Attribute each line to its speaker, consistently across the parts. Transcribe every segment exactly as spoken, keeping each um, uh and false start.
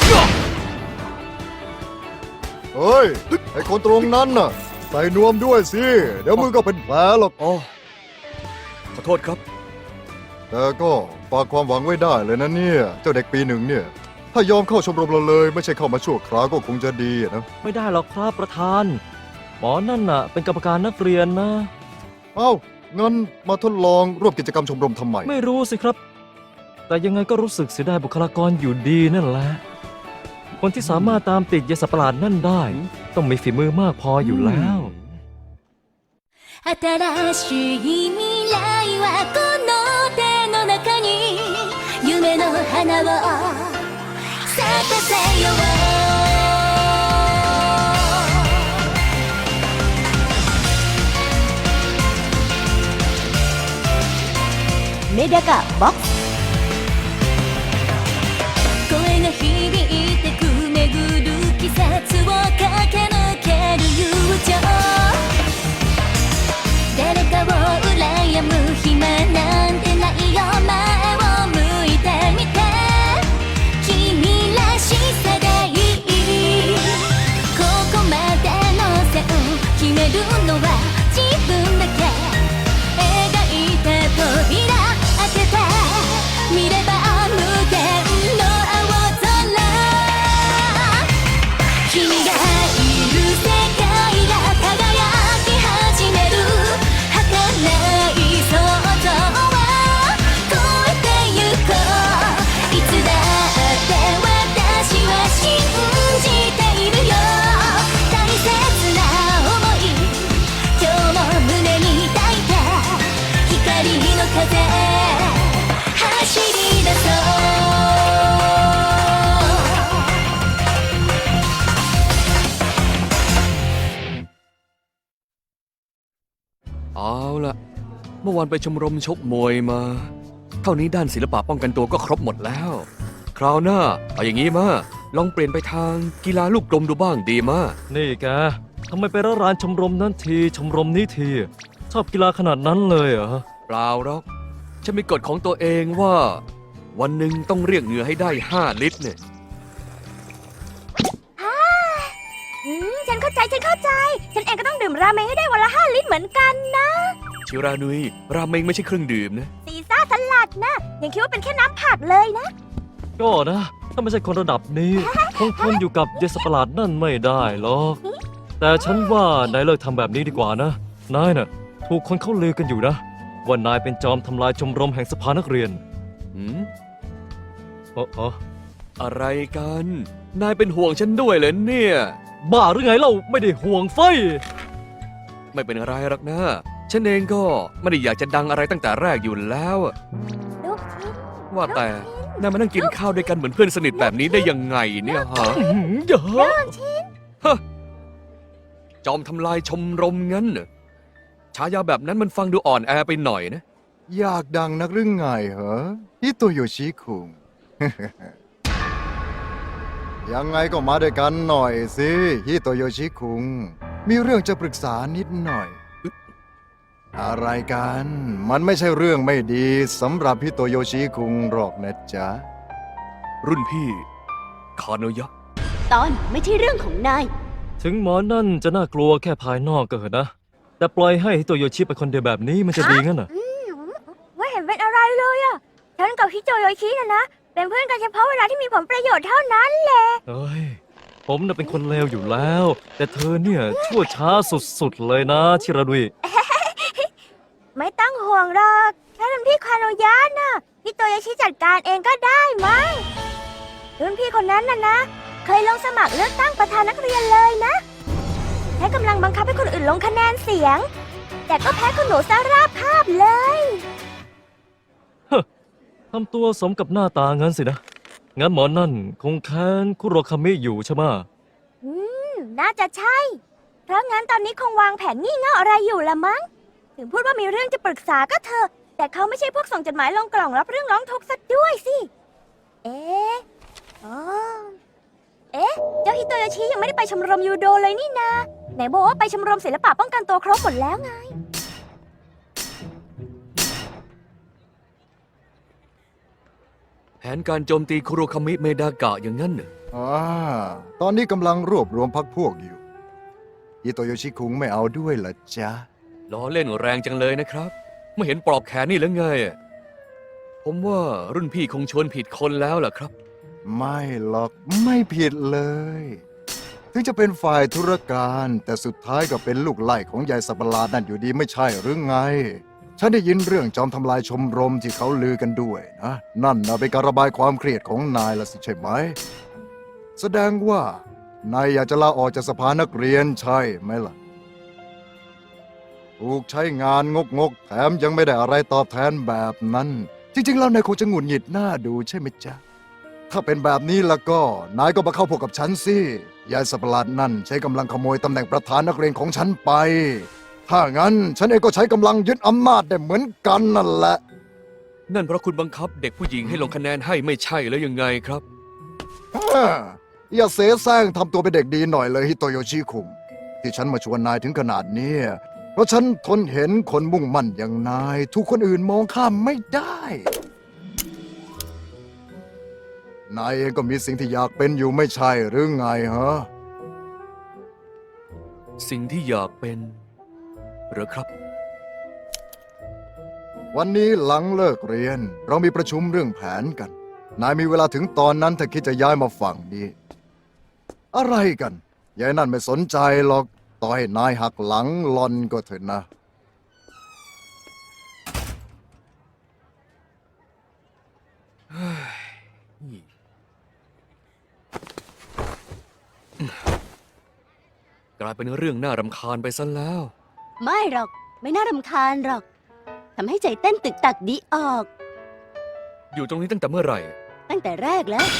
Speaker 1: เฮ้ยไอ้คนตรงนั้นน่ะใส่นวมด้วยสิเดี๋ยวมือก็เป็นแผลหรอก
Speaker 2: อ๋อขอโทษครับ
Speaker 1: แต่ก็ฝากความหวังไว้ได้เลยนะเนี่ยเจ้าเด็กปีหนึ่งเนี่ยถ้ายอมเข้าชมรมเราเลยไม่ใช่เข้ามาชั่วคราวก็คงจะดีนะ
Speaker 3: ไม่ได้หรอกครับประธาน หมอนั่นน่ะ เป็นกรรมการนักเรียนนะ
Speaker 1: เอ้างั้นมาทดลองร่วมกิจกรรมชมรมทำไม
Speaker 3: ไม่รู้สิครับ แต่ยังไงก็รู้สึกเสียดายบุคลากรอยู่ดีนั่นแหละ คนที่สามารถตามติดยาสัตว์ประหลาดนั่นได้ ต้องมีฝีมือมากพออยู่แล้ว
Speaker 4: 新しい未来はこの手の中に夢の花を咲かせようメダカボックス声が響いてく巡る季節を駆け抜ける友情誰かを羨む暇なんてないよ前を向いてみて君らしさでいいここまでの線決めるのは自分だけ描いた扉開けて見れば無限の青空君がいる世界が輝き始める儚い想像は超えてゆこういつだって私は信じているよ大切な想い今日も胸に抱いて光の風走り出そう
Speaker 2: เอาล่ะ เมื่อวานไปชมรมชกมวยมา เท่านี้ด้านศิลปะป้องกันตัวก็ครบหมดแล้ว คราวหน้าเอาอย่างนี้มาลองเปลี่ยนไปทางกีฬาลูกกลมดูบ้างดีมา
Speaker 3: นี่แกทำไมไปร้านชมรมนั้นทีชมรมนี้ที ชอบกีฬาขนาดนั้นเลยเหรอ
Speaker 2: เปล่าหรอกฉันมีกฎของตัวเองว่า วันหนึ่งต้องเรียกเหงื่อให้ได้ห้าลิตรเนี่ย
Speaker 4: อืมฉันเข้าใจฉันเข้าใจ ฉันเองก็ต้องดื่มราเมงให้ได้วันละห้าลิตรเหมือนกันนะ
Speaker 2: ชิรานุยราเมงไม่ใช่เครื่องดื่มนะ
Speaker 4: ซีซ่าสลัดนะยังคิดว่าเป็นแค่น้ำผักเลยนะ
Speaker 3: ก็นะ ถ้าไม่ใช่คนระดับนี้ คงทนอยู่กับยาสัตว์ประหลาดนั่นไม่ได้หรอก แต่ฉันว่านายเลิกทำแบบนี้ดีกว่านะ นายน่ะ ถูกคนเขาลือกันอยู่นะ ว่านายเป็นจอมทำลายชมรมแห่งสภานักเรียน
Speaker 2: หืม
Speaker 3: เอ๋อ
Speaker 2: อะไรกัน นายเป็นห่วงฉันด้วยเหรอเนี่ย
Speaker 3: บ้าหรือไงเล่าไม่ได้ห่วงไฟ
Speaker 2: ไม่เป็นอะไรหรอกนะ ฉันเองก็ไม่ได้อยากจะดังอะไรตั้งแต่แรกอยู่แล้วอะ
Speaker 4: ลูกชิ้น
Speaker 2: ว่าแต่นายมานั่งกินข้าวด้วยกันเหมือนเพื่อนสนิทแบบนี้ได้ยังไงเนี่ยฮะ
Speaker 3: อื้อหือเยอะ
Speaker 2: จอมทำลายชมรมงั้นเหรอฉายาแบบนั้นมันฟังดูอ่อนแอไปหน่อยนะ
Speaker 1: อยากดังนักหรือไงเหรอฮิโตโยชิคุง ยังไงก็มาด้วยกันหน่อยสิฮิโตโยชิคุง มีเรื่องจะปรึกษานิดหน่อย อะไรกัน มันไม่ใช่เรื่องไม่ดีสำหรับฮิโตโยชิคุงหรอกนะจ๊ะ
Speaker 2: รุ่นพี่ คาโนยะ
Speaker 4: ตอนไม่ใช่เรื่องของนาย
Speaker 3: ถึงหมอนั่นจะน่ากลัวแค่ภายนอกก็เถอะนะ แต่ปล่อยให้ตัวโยชิไปคนเดียวแบบนี้มันจะดีงั้นเหรอ
Speaker 4: ไม่เห็นเป็นอะไรเลยอะฉันกับฮิโตโยชินะนะเป็นเพื่อนกันเฉพาะเวลาที่มีผลประโยชน์เท่านั้นแหละ
Speaker 3: เอ้ย ผมน่ะเป็นคนเลวอยู่แล้ว แต่เธอเนี่ยชั่วช้าสุดๆเลยนะชิราดุย
Speaker 4: ไม่ต้องห่วงหรอกแค่รุ่นพี่คาโนยะนะฮิโตโยชิจัดการเองก็ได้มั้งรุ่นพี่คนนั้นน่ะนะ เคยลงสมัครเลือกตั้งประธานนักเรียนเลยนะใช้กำลังบังคับให้คนอื่นลงคะแนนเสียง แต่ก็แพ้คุณหนูสาราภาพเลย
Speaker 3: ทำตัวสมกับหน้าตางั้นสินะ งั้นหมอนั่นคงแค้นคุโรคามิอยู่ใช่ไหมะ
Speaker 4: อืม น่าจะใช่ เพราะงั้นตอนนี้คงวางแผนงี่เง่าอะไรอยู่ละมั้ง ถึงพูดว่ามีเรื่องจะปรึกษาก็เถอะ แต่เขาไม่ใช่พวกส่งจดหมายลงกล่องรับเรื่องร้องทุกข์ซะด้วยสิ เอ๊ะอ๋อเอ๊ะ เจ้าฮิโตโยชิยังไม่ได้ไปชมรมยูโดเลยนี่นา ไหนบอกว่าไปชมรมศิลปะป้องกันตัวครบหมดแล้วไง
Speaker 2: แผนการโจมตีคุโรคามิเมดากะอย่างนั้นเหรอ
Speaker 1: อ่าตอนนี้กำลังรวบรวมพักพวกอยู่ฮิโตโยชิคุงไม่เอาด้วยเหรอจ๊ะ
Speaker 2: ล้อเล่นแรงจังเลยนะครับ ไม่เห็นปลอบแขนนี่หรือไงอะผมว่ารุ่นพี่คงชวนผิดคนแล้วล่ะครับ
Speaker 1: ไม่หรอกไม่ผิดเลย ถึงจะเป็นฝ่ายธุรการ แต่สุดท้ายก็เป็นลูกไล่ของยายสัตว์ประหลาดนั่นอยู่ดีไม่ใช่หรือไง ฉันได้ยินเรื่องจอมทำลายชมรมที่เขาลือกันด้วยนะ นั่นนะเป็นการระบายความเครียดของนายละสิใช่ไหม แสดงว่านายอยากจะลาออกจากสภานักเรียนใช่ไหมล่ะ ถูกใช้งานงกงกๆแถมยังไม่ได้อะไรตอบแทนแบบนั้น จริงๆแล้วนายคงจะหงุดหงิดหน้าดูใช่ไหมจ๊ะ ถ้าเป็นแบบนี้แล้วก็ นายก็มาเข้าพวกกับฉันสิยายสัตว์ประหลาดนั่นใช้กำลังขโมยตำแหน่งประธานนักเรียนของฉันไป ถ้างั้นฉันเองก็ใช้กำลังยึดอำนาจได้เหมือนกันนั่นแหละ
Speaker 2: นั่นเพราะคุณบังคับเด็กผู้หญิงให้ลงคะแนนให้ไม่ใช่แล้วยังไงครับ
Speaker 1: อ่าอย่าเสแสร้งทำตัวเป็นเด็กดีหน่อยเลยฮิโตโยชิคุงที่ฉันมาชวนนายถึงขนาดนี้ เพราะฉันทนเห็นคนมุ่งมั่นอย่างนายถูกคนอื่นมองข้ามไม่ได้ นายเองก็มีสิ่งที่อยากเป็นอยู่ไม่ใช่หรือไงฮะ
Speaker 2: สิ่งที่อยากเป็นเหรือครับ
Speaker 1: วันนี้หลังเลิกเรียน เรามีประชุมเรื่องแผนกัน นายมีเวลาถึงตอนนั้นถ้าคิดจะย้ายมาฝั่งนี้ อะไรกันยายนั่นไม่สนใจหรอกต่อให้นายหักหลังหลอนก็เถอะนะ
Speaker 2: กลายเป็นเรื่องน่ารำคาญไปซะแล้ว
Speaker 4: ไม่หรอก ไม่น่ารำคาญหรอกทำให้ใจเต้นตึกตักดีออก
Speaker 2: อยู่ตรงนี้ตั้งแต่เมื่อไหร่
Speaker 4: ตั้งแต่แรกแล้ว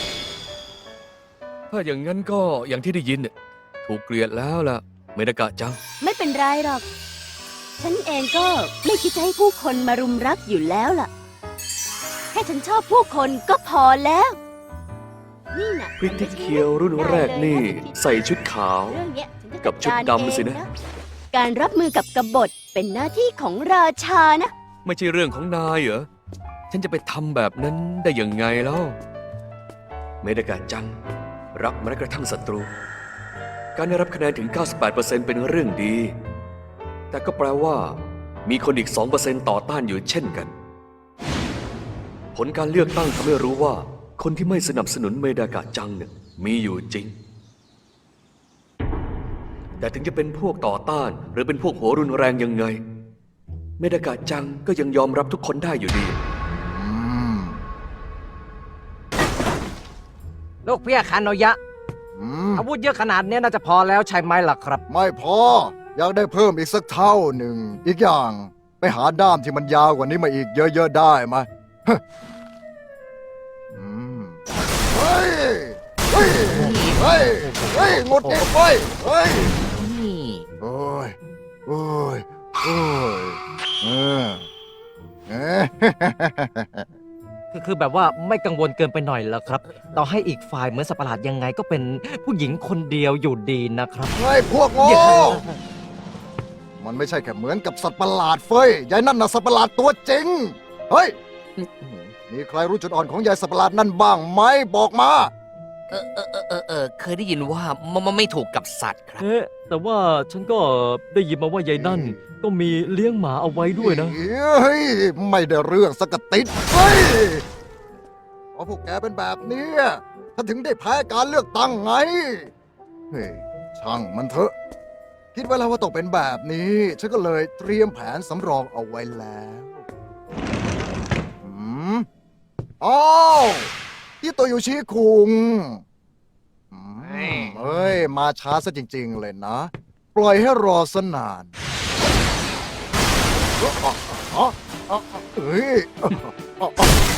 Speaker 2: ถ้าอย่างนั้นก็อย่างที่ได้ยินน่ะถูกเกลียดแล้วล่ะเมดากะจัง
Speaker 4: ไม่เป็นไรหรอก ฉันเองก็ไม่คิดจะให้ผู้คนมารุมรักอยู่แล้วล่ะ แค่ฉันชอบผู้คนก็พอแล้ว นี่นะ
Speaker 2: พริตตี้เคียวรุ่นแรกนี่ใส่ชุดขาว
Speaker 4: เรื่องเนี้ยฉันจะ
Speaker 2: กับชุดดำสินะ
Speaker 4: จัการเองการรับมือกับกบฏเป็นหน้าที่ของราชานะ
Speaker 2: ไม่ใช่เรื่องของนายเหรอ ฉันจะไปทำแบบนั้นได้ยังไงแล้ว เมดากะจัง รักแม้กระทั่งศัตรู การได้รับคะแนนถึง เก้าสิบแปดเปอร์เซ็นต์ เป็นเรื่องดี แต่ก็แปลว่า มีคนอีก สองเปอร์เซ็นต์ ต่อต้านอยู่เช่นกัน ผลการเลือกตั้งทำให้รู้ว่า คนที่ไม่สนับสนุนเมดากะจังเนี่ยมีอยู่จริง แต่ถึงจะเป็นพวกต่อต้าน หรือเป็นพวกหัวรุนแรงยังไง เมดากะจังก็ยังยอมรับทุกคนได้อยู่ดี
Speaker 1: อืม
Speaker 5: ลูกเพี่ยคานโนยะ
Speaker 1: อืม
Speaker 5: อาวุธเยอะขนาดนี้น่าจะพอแล้วใช่ไหมล่ะครับ
Speaker 1: ไม่พอ อยากได้เพิ่มอีกสักเท่าหนึ่ง อีกอย่าง ไปหาด้ามที่มันยาวกว่านี้มาอีกเยอะๆได้ไหมฮะอืมเฮ้ย เฮ้ย เฮ้ย เฮ้ยงดเองเว้ยเฮ้ย โอ้ย โอ้ย โอ้ย เออเอ๊ะ
Speaker 5: คือคือแบบว่าไม่กังวลเกินไปหน่อยเหรอครับ ต่อให้อีกฝ่ายเหมือนสัตว์ประหลาดยังไงก็เป็นผู้หญิงคนเดียวอยู่ดีนะครับ
Speaker 1: เฮ้ย พวกโง่ มันไม่ใช่แค่เหมือนกับสัตว์ประหลาดเฟ้ย ยายนั่นน่ะสัตว์ประหลาดตัวจริง เฮ้ย มีใครรู้จุดอ่อนของยายสัตว์ประหลาดนั่นบ้างไหม บอกมา
Speaker 6: เออเออเออเออเออเคยได้ยินว่ามันมันไม่ถูกกับสัตว์ครับ
Speaker 3: เอ๊ะแต่ว่าฉันก็ได้ยินมาว่ายายนั่น ก็มีเลี้ยงหมาเอาไว้ด้วยนะ
Speaker 1: เฮ้ย ไม่ได้เรื่องสักกะติดเฮ้ยเพราะพวกแกเป็นแบบเนี้ยถ้าถึงได้แพ้การเลือกตั้งไง เฮ้ย ช่างมันเถอะ คิดไว้แล้วว่าต้องเป็นแบบนี้ ฉันก็เลยเตรียมแผนสำรองเอาไว้แล้วอืมอ้าวที่โตโยชิคุงอืมเอ้ย มาช้าซะจริง ๆ เลยนะ ปล่อยให้รอสนานอ๋ออ๋ออ๋อเฮ้ยอ๋ออ๋อ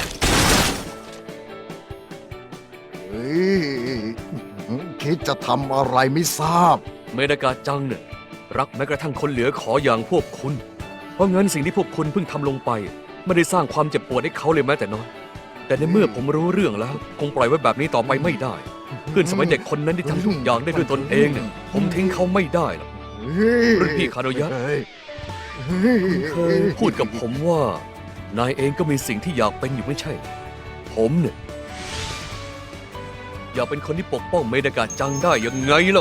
Speaker 1: เฮ้ยคิดจะทำอะไรไม่ทราบ
Speaker 2: เมดากะจังเนี่ยรักแม้กระทั่งคนเหลือขออย่างพวกคุณ เพราะงั้นสิ่งที่พวกคุณเพิ่งทำลงไป ไม่ได้สร้างความเจ็บปวดให้เขาเลยแม้แต่น้อย แต่ในเมื่อผมรู้เรื่องแล้ว คงปล่อยไว้แบบนี้ต่อไปไม่ได้ เพื่อนสมัยเด็กคนนั้นที่ทำทุกอย่างได้ด้วยตนเองเนี่ยผมทิ้งเขาไม่ได้หรอก รุ่นพี่คาโดยะ
Speaker 1: เฮ้ย
Speaker 2: เคยพูดกับผมว่า นายเองก็มีสิ่งที่อยากเป็นอยู่ไม่ใช่ ผมเนี่ยอย่าเป็นคนที่ปกป้องเมดากะจังได้ยังไงเล่า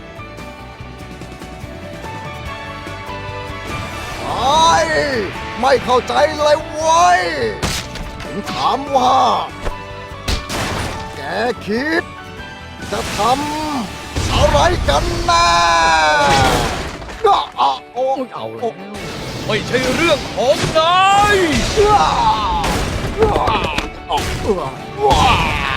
Speaker 1: ไอ้ไม่เข้าใจเลยเว้ยถึงถามว่า แกคิด จะทำอะไรกันแน่ก็อ่ะโอ้
Speaker 5: เอา
Speaker 1: โอ้
Speaker 2: ไม่ใช่เรื่องของนาย
Speaker 1: ว้าว้าว้า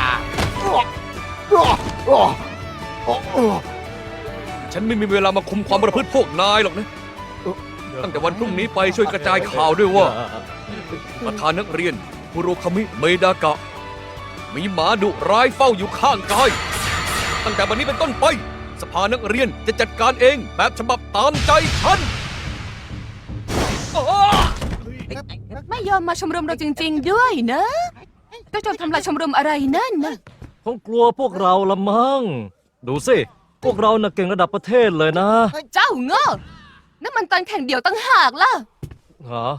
Speaker 1: ว้าว้า
Speaker 2: ฉันไม่มีเวลามาคุมความประพฤติพวกนายหรอกนะ ตั้งแต่วันพรุ่งนี้ไปช่วยกระจายข่าวด้วยว่า ประธานนักเรียนคุโรคามิเมดากะ มีหมาดุร้ายเฝ้าอยู่ข้างกาย ตั้งแต่วันนี้เป็นต้นไป สภานักเรียนจะจัดการเองแบบฉบับตามใจฉันอ้า
Speaker 7: ไม่ยอมมาชมรมเราจริง ๆ ด้วยนะเจ้าจอมทำลายชมรมอะไรนั่นนะ
Speaker 3: คงกลัวพวกเราละมั้งดูสิ พวกเราน่ะเก่งระดับประเทศเลยนะ
Speaker 7: เจ้าโง่นั่นมันตอนแข่งเดี่ยวตั้งหากล่ะ
Speaker 3: ฮะ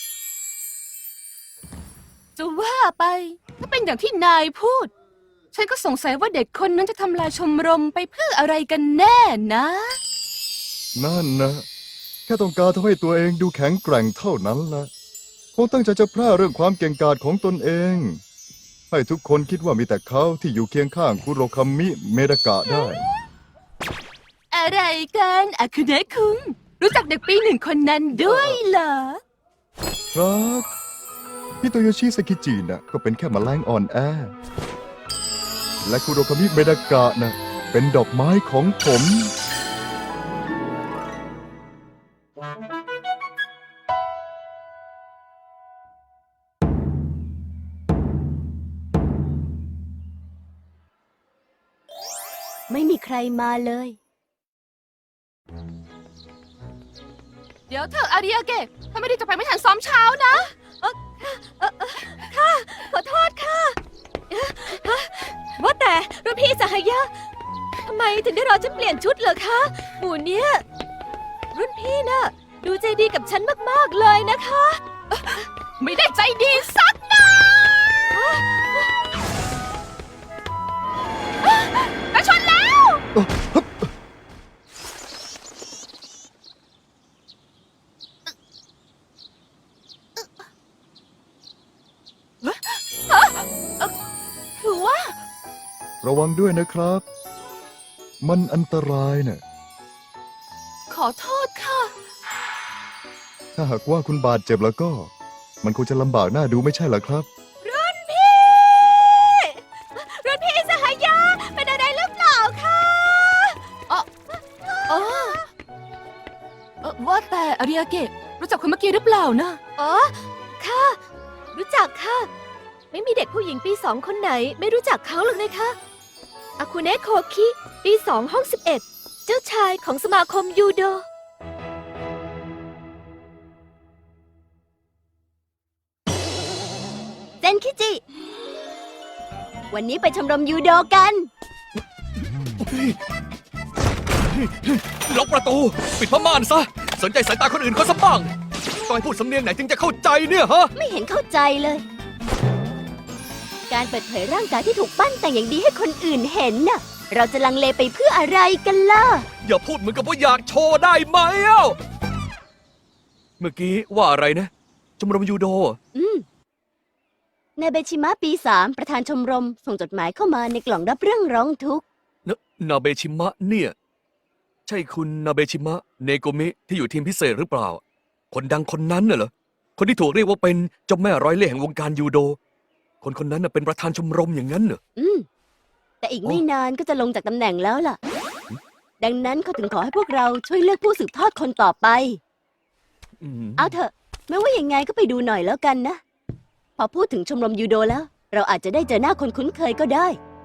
Speaker 7: จะว่าไปถ้าเป็นอย่างที่นายพูด ฉันก็สงสัยว่าเด็กคนนั้นจะทำลายชมรมไปเพื่ออะไรกันแน่นะ
Speaker 1: นั่นนะ แค่ต้องการทำให้ตัวเองดูแข็งแกร่งเท่านั้นละคงตั้งใจจะแพร่เรื่องความเก่งกาจของตนเอง ให้ทุกคนคิดว่ามีแต่เขาที่อยู่เคียงข้างคุโรคามิเมดากะได้
Speaker 7: อะไรกันอาคุเนะคุงรู้จักเด็กปีหนึ่งคนนั้นด้วยเหรอ
Speaker 1: ครับฮิโตโยชิสกิจิน่ะก็เป็นแค่แมลงอ่อนแอ และคุโรคามิเมดากะน่ะเป็นดอกไม้ของผม
Speaker 4: ไม่มีใครมาเลย
Speaker 7: เดี๋ยวเธออาริยาเกะถ้าไม่ได้จะไปไม่ทันซ้อมเช้านะ
Speaker 4: ขอโทษค่ะ ว่าแต่รุ่นพี่สหายะทำไมถึงได้รอฉันเปลี่ยนชุดเหรอคะหมู่เนี้ยรุ่นพี่น่ะ ดูใจดีกับฉันมาก ๆ เลยนะคะ
Speaker 7: ไม่ได้ใจดีสักหน่อยกระชนแล้ว คือว่า
Speaker 1: ระวังด้วยนะครับ มันอันตรายน่ะ
Speaker 7: ขอโทษค่ะ
Speaker 1: ถ้าหากว่าคุณบาดเจ็บแล้วก็ มันคงจะลำบากหน้าดูไม่ใช่เหรอครับ
Speaker 4: รุ่นพี่ รุ่นพี่สหายะเป็นอะไรหรือเปล่าคะ
Speaker 7: เออเออว่าแต่อาริยาเกะรู้จักคนเมื่อกี้หรือเปล่านะ
Speaker 4: อ๋อ ค่ะ รู้จักค่ะ ไม่มีเด็กผู้หญิงปีสองคนไหน ไม่รู้จักเขาหรอกนะคะอาคุเนะโคคิปีสองห้องสิบเอ็ดเจ้าชายของสมาคมยูโด เซนคิจิ วันนี้ไปชมรมยูโดกัน
Speaker 2: ล็อกประตู ปิดผ้าม่านซะ สนใจสายตาคนอื่นเขาสักบ้างต้องให้พูดสำเนียงไหนจึงจะเข้าใจเนี่ยฮะ
Speaker 4: ไม่เห็นเข้าใจเลย การเปิดเผยร่างกายที่ถูกปั้นแต่งอย่างดีให้คนอื่นเห็นน่ะ เราจะลังเลไปเพื่ออะไรกันล่ะ
Speaker 2: อย่าพูดเหมือนกับว่าอยากโชว์ได้ไหมเอ้าเมื่อกี้ว่าอะไรนะชมรมยูโด
Speaker 4: อืมนายเบชิมะปีสามประธานชมรม ส่งจดหมายเข้ามาในกล่องรับเรื่องร้องทุกข์
Speaker 2: นนาเบชิมะเนี่ย ใช่คุณนาเบชิมะเนโกมิที่อยู่ทีมพิเศษหรือเปล่า คนดังคนนั้นน่ะเหรอ คนที่ถูกเรียกว่าเป็นเจ้าแม่ร้อยเล่ห์แห่งวงการยูโด คนคนนั้นน่ะเป็นประธานชมรมอย่างนั้นเหรอ
Speaker 4: อืม แต่อีกไม่นานก็จะลงจากตำแหน่งแล้วล่ะ ดังนั้นเขาถึงขอให้พวกเราช่วยเลือกผู้สืบทอดคนต่อไป
Speaker 2: อืม
Speaker 4: เอาเถอะ ไม่ว่ายังไงก็ไปดูหน่อยแล้วกันนะ พอพูดถึงชมรมยูโดแล้ว เราอาจจะได้เจอหน้าคนคุ้นเคยก็ได้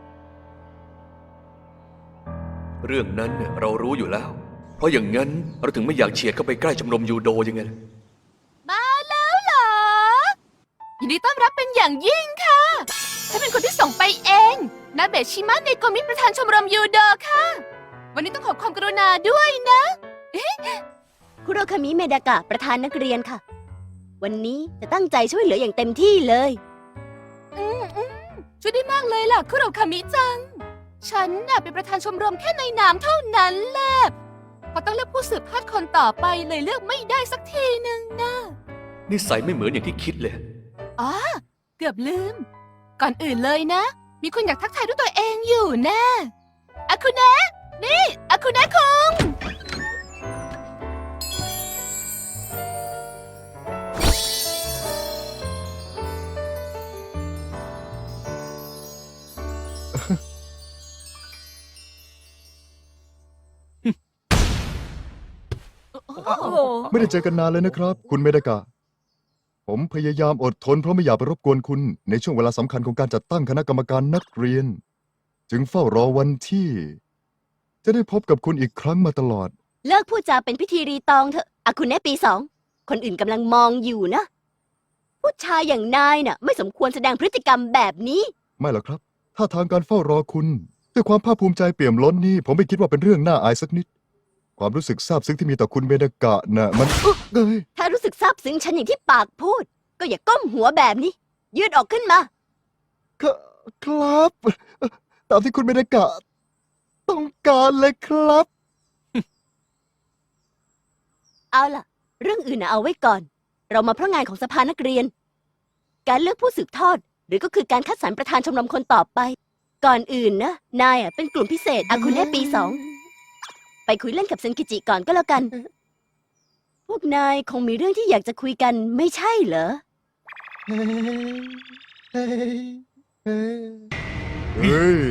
Speaker 2: เรื่องนั้นเนี่ยเรารู้อยู่แล้ว เพราะอย่างนั้นเราถึงไม่อยากเฉียดเข้าไปใกล้ชมรมยูโดยังไงล่ะ
Speaker 7: มาแล้วเหรอ ยินดีต้อนรับเป็นอย่างยิ่งค่ะฉันเป็นคนที่ส่งไปเองนาเบะชิมะเนโกมิประธานชมรมยูโดค่ะ วันนี้ต้องขอความกรุณาด้วยนะ
Speaker 4: คุโรคามิเมดากะประธานนักเรียนค่ะ วันนี้จะตั้งใจช่วยเหลืออย่างเต็มที่เลย
Speaker 7: อืมอืมช่วยได้มากเลยล่ะคุโรคามิจังฉันน่ะเป็นประธานชมรมแค่ในนามเท่านั้นแหละพอต้องเลือกผู้สืบทอดคนต่อไปเลยเลือกไม่ได้สักทีหนึ่งนะ
Speaker 2: นิสัยไม่เหมือนอย่างที่คิดเลย
Speaker 7: อ๋อเกือบลืม ก่อนอื่นเลยนะ มีคนอยากทักทายด้วยตัวเองอยู่แน่อาคุเนะนี่อาคุเนะคุง
Speaker 1: ไม่ได้เจอกันนานเลยนะครับ คุณเมดากะ ผมพยายามอดทนเพราะไม่อยากไปรบกวนคุณ ในช่วงเวลาสำคัญของการจัดตั้งคณะกรรมการนักเรียน จึงเฝ้ารอวันที่ จะได้พบกับคุณอีกครั้งมาตลอด
Speaker 8: เลิกพูดจาเป็นพิธีรีตองเถอะอาคุณแน่ปีสอง คนอื่นกำลังมองอยู่นะ ผู้ชายอย่างนายน่ะ ไม่สมควรแสดงพฤติกรรมแบบนี้
Speaker 1: ไม่หรอกครับ ถ้าทางการเฝ้ารอคุณด้วยความภาคภูมิใจเปี่ยมล้นนี่ผมไม่คิดว่าเป็นเรื่องน่าอายสักนิด ความรู้สึกซาบซึ้งที่มีต่อคุณเมดากะน่ะมันอึ๊กเอ้ย
Speaker 8: ถ้ารู้สึกซาบซึ้งฉันอย่างที่ปากพูด ก็อย่าก้มหัวแบบนี้ ยืดออกขึ้นมา
Speaker 1: คครับ ตามที่คุณเมดากะ ต้องการเลยครับ
Speaker 8: เอาล่ะ เรื่องอื่นน่ะเอาไว้ก่อน เรามาเพราะงานของสภานักเรียน การเลือกผู้สืบทอด หรือก็คือการคัดสรรประธานชมรมคนต่อไป ก่อนอื่นนะ นายอ่ะเป็นกลุ่มพิเศษอาคุณแน่ปีสอง ไปคุยเล่นกับเซนกิจิก่อนก็แล้วกัน พวกนายคงมีเรื่องที่อยากจะคุยกันไม่ใช่เหรอ
Speaker 1: เฮ้ย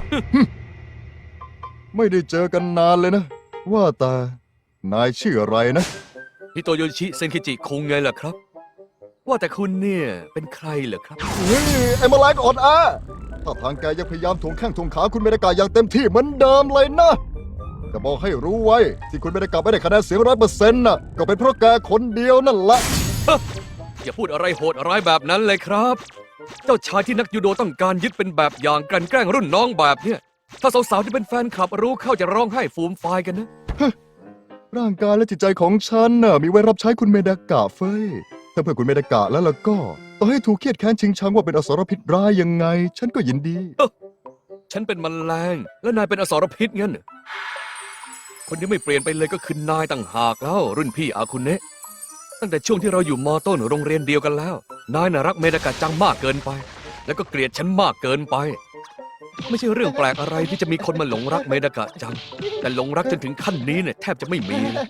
Speaker 1: ไม่ได้เจอกันนานเลยนะ ว่าแต่นายชื่ออะไรนะ
Speaker 2: ฮิโตโยชิเซนคิจิคงไงล่ะครับ ว่าแต่คุณเนี่ยเป็นใครเหรอครับ
Speaker 1: เฮ้ย ไอ้แมลงอ่อนแอถ้าทางแกยังพยายามถ่วงแข้งถ่วงขาคุณเมดากะอย่างเต็มที่เหมือนเดิมเลยนะจะบอกให้รู้ไว้ ที่คุณเมดากะไม่ได้คะแนนเสียงร้อยเปอร์เซ็นต์น่ะ ก็เป็นเพราะแกคนเดียวนั่นแหละ
Speaker 2: อย่าพูดอะไรโหดร้ายแบบนั้นเลยครับ เจ้าชายที่นักยูโดต้องการยึดเป็นแบบอย่างกลั่นแกล้งรุ่นน้องแบบเนี้ยถ้าสาวๆที่เป็นแฟนคลับรู้เข้าจะร้องไห้ฟูมฟายกันนะ
Speaker 1: ร่างกายและจิตใจของฉันน่ะมีไว้รับใช้คุณเมดากะเฟ้ย ถ้าเพื่อคุณเมดากะแล้วล่ะก็ ต่อให้ถูกเครียดแค้นชิงชังว่าเป็นอสรพิษร้ายยังไง ฉันก็ยินดี
Speaker 2: ฉันเป็นแมลงและนายเป็นอสรพิษงั้นเหรอคนที่ไม่เปลี่ยนไปเลยก็คือนายต่างหากแล้ว รุ่นพี่อาคุเนะตั้งแต่ช่วงที่เราอยู่มอต้นโรงเรียนเดียวกันแล้ว นายน่ะรักเมดากะจังมากเกินไป แล้วก็เกลียดฉันมากเกินไป ไม่ใช่เรื่องแปลกอะไรที่จะมีคนมาหลงรักเมดากะจัง แต่หลงรักจนถึงขั้นนี้เนี่ยแทบจะไม่มีเลย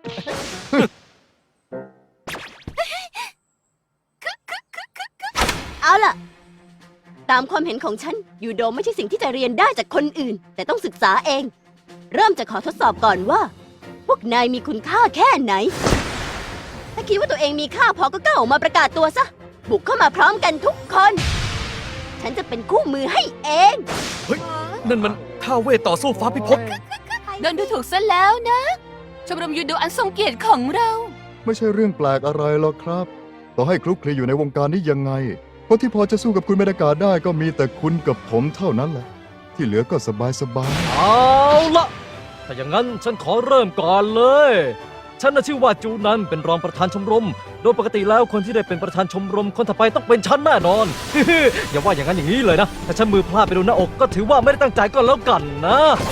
Speaker 8: เอาล่ะ ตามความเห็นของฉันยูโดไม่ใช่สิ่งที่จะเรียนได้จากคนอื่น แต่ต้องศึกษาเอง เริ่มจากขอทดสอบก่อนว่า พวกนายมีคุณค่าแค่ไหน ถ้าคิดว่าตัวเองมีค่าพอก็ก้าวออกมาประกาศตัวซะ บุกเข้ามาพร้อมกันทุกคน ฉันจะเป็นคู่มือให้เอง
Speaker 2: นั่นมันท่าเวทต่อสู้ฟ้าพิภพ
Speaker 7: โดนดูถูกซะแล้วนะ ชมรมยูโดอันทรงเกียรติของเรา
Speaker 1: ไม่ใช่เรื่องแปลกอะไรหรอกครับ ต่อให้คลุกคลีอยู่ในวงการนี้ยังไง คนที่พอจะสู้กับคุณเมดากะได้ก็มีแต่คุณกับผมเท่านั้นแหละ ที่เหลือก็สบายสบาย
Speaker 3: เอาละถ้าอย่างนั้นฉันขอเริ่มก่อนเลย ฉันน่ะชื่อว่าจูนันเป็นรองประธานชมรม โดยปกติแล้วคนที่ได้เป็นประธานชมรมคนต่อไปต้องเป็นฉันแน่นอน อย่าว่าอย่างนั้นอย่างนี้เลยนะ ถ้าฉันมือพลาดไปโดนหน้าอกก็ถือว่าไม่ได้ตั้งใจก็แล้วกันนะ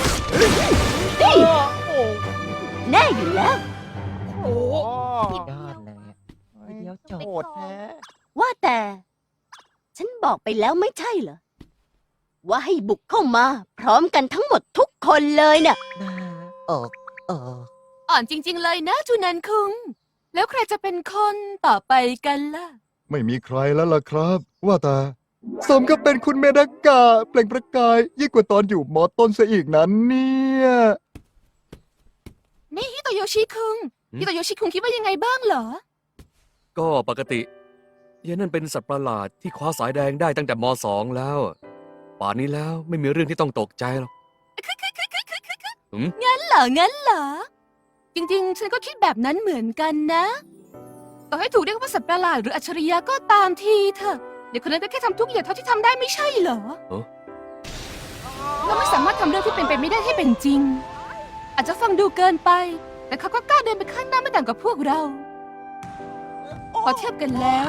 Speaker 8: แน่อยู่แล้ว
Speaker 5: ยอดเลยเดี๋ยวจบ
Speaker 8: โหดแท้ ว่าแต่ ฉันบอกไปแล้วไม่ใช่เหรอ ว่าให้บุกเข้ามา พร้อมกันทั้งหมดทุกคนเลยน่ะ
Speaker 5: เออเออ
Speaker 7: อ่อนจริง ๆ เลยนะจูนันคุง แล้วใครจะเป็นคนต่อไปกันล่ะ
Speaker 1: ไม่มีใครแล้วล่ะครับ ว่าแต่สมกับเป็นคุณเมดากะเปล่งประกายยิ่งกว่าตอนอยู่มอต้นซะอีกนั้นเนี่ย
Speaker 7: นี่ฮิโตโยชิคุง
Speaker 2: หืม
Speaker 7: ฮิโตโยชิคุงคิดว่ายังไงบ้างเหรอ
Speaker 2: ก็ปกติยายนั่นเป็นสัตว์ประหลาดที่คว้าสายแดงได้ตั้งแต่มสองแล้ว ป่านนี้แล้วไม่มีเรื่องที่ต้องตกใจหรอกหืม
Speaker 7: งั้นเหรอ งั้นเหรอ จริง ๆ ฉันก็คิดแบบนั้นเหมือนกันนะ ต่อให้ถูกเรียกว่าสัตว์ประหลาดหรืออัจฉริยะก็ตามทีเถอะ เด็กคนนั้นก็แค่ทำทุกอย่างเท่าที่ทำได้ไม่ใช่เหรอ
Speaker 2: เอ้า
Speaker 7: เราไม่สามารถทำเรื่องที่เป็นไปไม่ได้ให้เป็นจริง อาจจะฟังดูเกินไป แต่เขาก็กล้าเดินไปข้างหน้าไม่ต่างกับพวกเรา พอเทียบกันแล้ว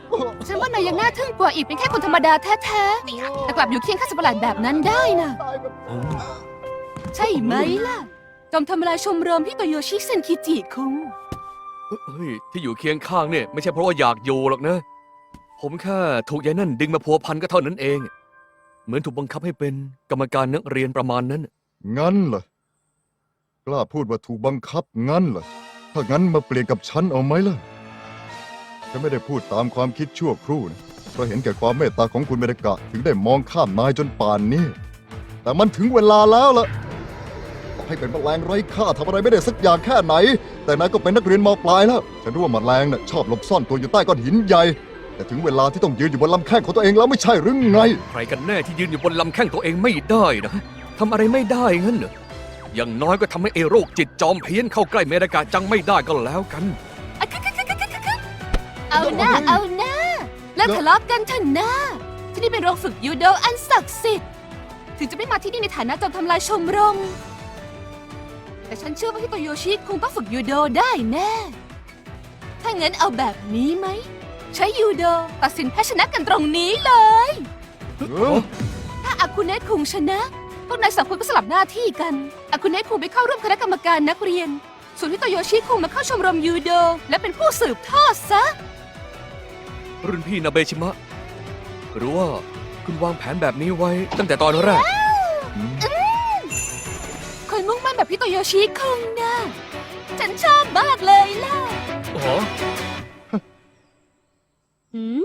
Speaker 7: ฉันว่านายยังน่าทึ่งกว่าอีกเป็นแค่คนธรรมดาแท้ๆแต่กลับอยู่เคียงข้างสัตว์ประหลาดแบบนั้นได้นะ
Speaker 2: อืม
Speaker 7: ใช่ไหมล่ะ จอมทำลายชมรมฮิโตโยชิเซนคิจิคุง
Speaker 2: เฮ้ยที่อยู่เคียงข้างเนี่ยไม่ใช่เพราะว่าอยากอยู่หรอกนะ ผมแค่ถูกยายนั่นดึงมาพัวพันก็เท่านั้นเอง เหมือนถูกบังคับให้เป็นกรรมการนักเรียนประมาณนั้น
Speaker 1: งั้นเหรอกล้าพูดว่าถูกบังคับงั้นเหรอถ้างั้นมาเปลี่ยนกับฉันเอาไหมล่ะฉันไม่ได้พูดตามความคิดชั่วครู่นะเพราะเห็นแก่ความเมตตาของคุณเมดกะถึงได้มองข้ามนายจนป่านนี้ แต่มันถึงเวลาแล้วล่ะต่อให้เป็นแมลงไร้ค่าทำอะไรไม่ได้สักอย่างแค่ไหน แต่นายก็เป็นนักเรียนมปลายแล้วฉันรู้ว่าแมลงน่ะชอบหลบซ่อนตัวอยู่ใต้ก้อนหินใหญ่แต่ถึงเวลาที่ต้องยืนอยู่บนลำแข้งของตัวเองแล้วไม่ใช่หรือไง
Speaker 2: ใครกันแน่ที่ยืนอยู่บนลำแข้งตัวเองไม่ได้นะทำอะไรไม่ได้งั้นเหรออย่างน้อยก็ทำให้เอโรคจิตจอมเพี้ยนเข้าใกล้เมดากะจังไม่ได้ก็แล้วกัน
Speaker 7: เอาหน้าเอาหน้าเลิกทะเลาะกันเถอะนะที่นี่เป็นโรงฝึกยูโดอันศักดิ์สิทธิ์ถึงจะไม่มาที่นี่ในฐานะจอมทำลายชมรม แต่ฉันเชื่อว่าฮิโตโยชิคงต้องฝึกยูโดได้แน่ ถ้างั้นเอาแบบนี้ไหม ใช้ยูโดตัดสินแพ้ชนะกันตรงนี้เลย
Speaker 1: เออ
Speaker 7: ถ้าอากุเนะคุงชนะ พวกนายสองคนก็สลับหน้าที่กัน อากุเนะคุงไปเข้าร่วมคณะกรรมการนักเรียน ส่วนฮิโตโยชิคุงมาเข้าชมรมยูโด และเป็นผู้สืบทอดซะ
Speaker 2: รุ่นพี่นาเบชิมะ หรือว่าคุณวางแผนแบบนี้ไว้ตั้งแต่ตอนแรก
Speaker 7: คนมุ่งมั่นแบบฮิโตโยชิคุงนะ ฉันชอบมากเลยล่ะ
Speaker 2: อ๋อ
Speaker 8: หืม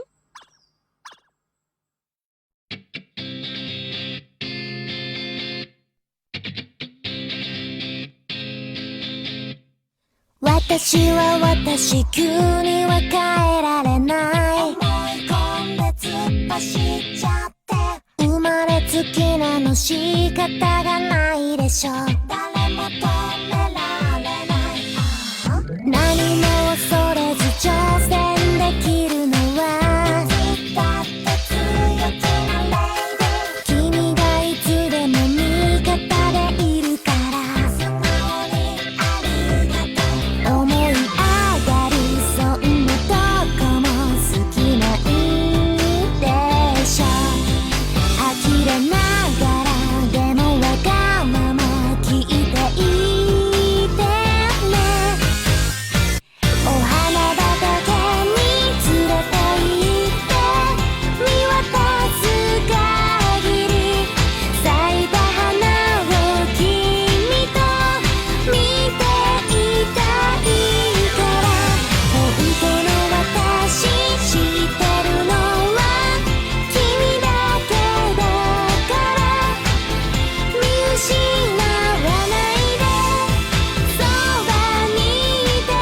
Speaker 4: 私は私急には帰られない思い込んで突っ走っちゃって生まれつきなの仕方がないでしょ誰も止められない何も恐れず挑戦できるのはだって強気なレイディ君がいつでも味方でいるから素直にありがとう思い上がるそんなとこも好きなんでしょ呆れながらでもわがまま聞いていてねお花畑に連れて行って見渡す限り咲いた花を君と見ていたいから本当の私知ってるのは君だけだから見失わないでそばにいて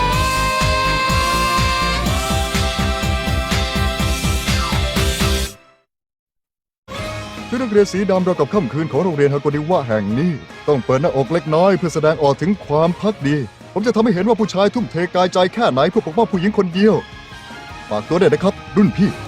Speaker 1: ชุดนักเรียนสีดำเรากับค่ำคืนของโรงเรียนฮาโกนิวะแห่งนี้ ต้องเปิดหน้าอกเล็กน้อยเพื่อแสดงออกถึงความพักดี ผมจะทำให้เห็นว่าผู้ชายทุ่มเทกายใจแค่ไหนเพื่อปกป้องผู้หญิงคนเดียวฝากตัวด้วยนะครับ รุ่นพี่